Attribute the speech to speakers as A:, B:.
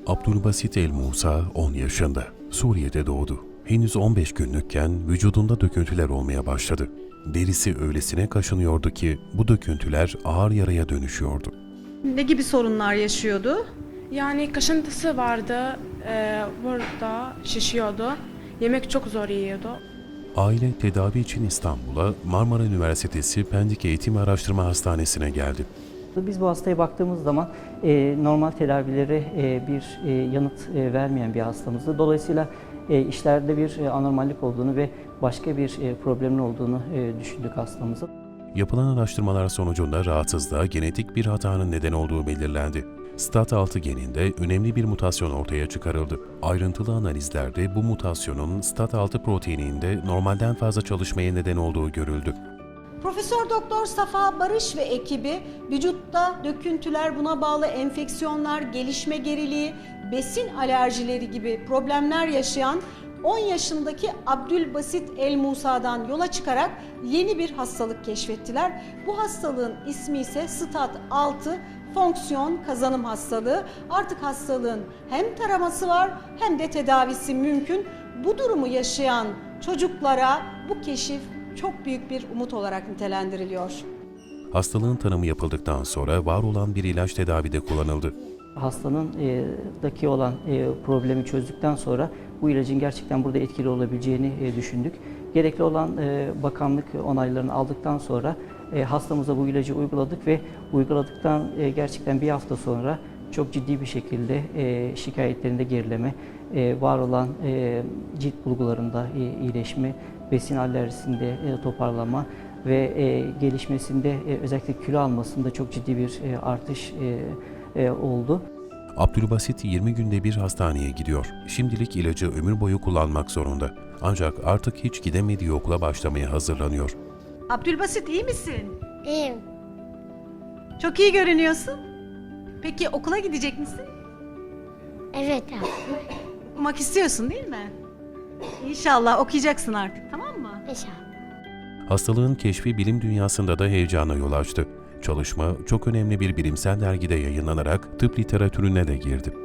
A: Abdülbasit El Musa 10 yaşında. Suriye'de doğdu. Henüz 15 günlükken vücudunda döküntüler olmaya başladı. Derisi öylesine kaşınıyordu ki bu döküntüler ağır yaraya dönüşüyordu.
B: Ne gibi sorunlar yaşıyordu?
C: Yani kaşıntısı vardı, burada şişiyordu. Yemek çok zor yiyordu.
A: Aile tedavi için İstanbul'a Marmara Üniversitesi Pendik Eğitim Araştırma Hastanesi'ne geldi.
D: Biz bu hastaya baktığımız zaman normal tedavilere bir yanıt vermeyen bir hastamızdı. Dolayısıyla işlerde bir anormallik olduğunu ve başka bir problemin olduğunu düşündük hastamızın.
A: Yapılan araştırmalar sonucunda rahatsızlığa genetik bir hatanın neden olduğu belirlendi. STAT6 geninde önemli bir mutasyon ortaya çıkarıldı. Ayrıntılı analizlerde bu mutasyonun STAT6 proteininde normalden fazla çalışmaya neden olduğu görüldü.
B: Profesör Doktor Safa Barış ve ekibi vücutta döküntüler, buna bağlı enfeksiyonlar, gelişme geriliği, besin alerjileri gibi problemler yaşayan 10 yaşındaki Abdülbasit El Musa'dan yola çıkarak yeni bir hastalık keşfettiler. Bu hastalığın ismi ise STAT6 fonksiyon kazanım hastalığı. Artık hastalığın hem taraması var hem de tedavisi mümkün. Bu durumu yaşayan çocuklara bu keşif çok büyük bir umut olarak nitelendiriliyor.
A: Hastalığın tanımı yapıldıktan sonra var olan bir ilaç tedavide kullanıldı.
D: Hastanın daki olan problemi çözdükten sonra bu ilacın gerçekten burada etkili olabileceğini düşündük. Gerekli olan bakanlık onaylarını aldıktan sonra hastamıza bu ilacı uyguladık ve uyguladıktan gerçekten bir hafta sonra çok ciddi bir şekilde şikayetlerinde gerileme, var olan cilt bulgularında iyileşme, besin alerjisinde toparlama ve gelişmesinde özellikle kilo almasında çok ciddi bir artış oldu.
A: Abdülbasit 20 günde bir hastaneye gidiyor. Şimdilik ilacı ömür boyu kullanmak zorunda. Ancak artık hiç gidemediği okula başlamaya hazırlanıyor.
B: Abdülbasit, iyi misin?
E: İyiyim.
B: Çok iyi görünüyorsun. Peki okula gidecek misin?
E: Evet abi.
B: Okumak istiyorsun değil mi? İnşallah okuyacaksın artık, tamam mı?
E: İnşallah.
A: Hastalığın keşfi bilim dünyasında da heyecana yol açtı. Çalışma çok önemli bir bilimsel dergide yayınlanarak tıp literatürüne de girdi.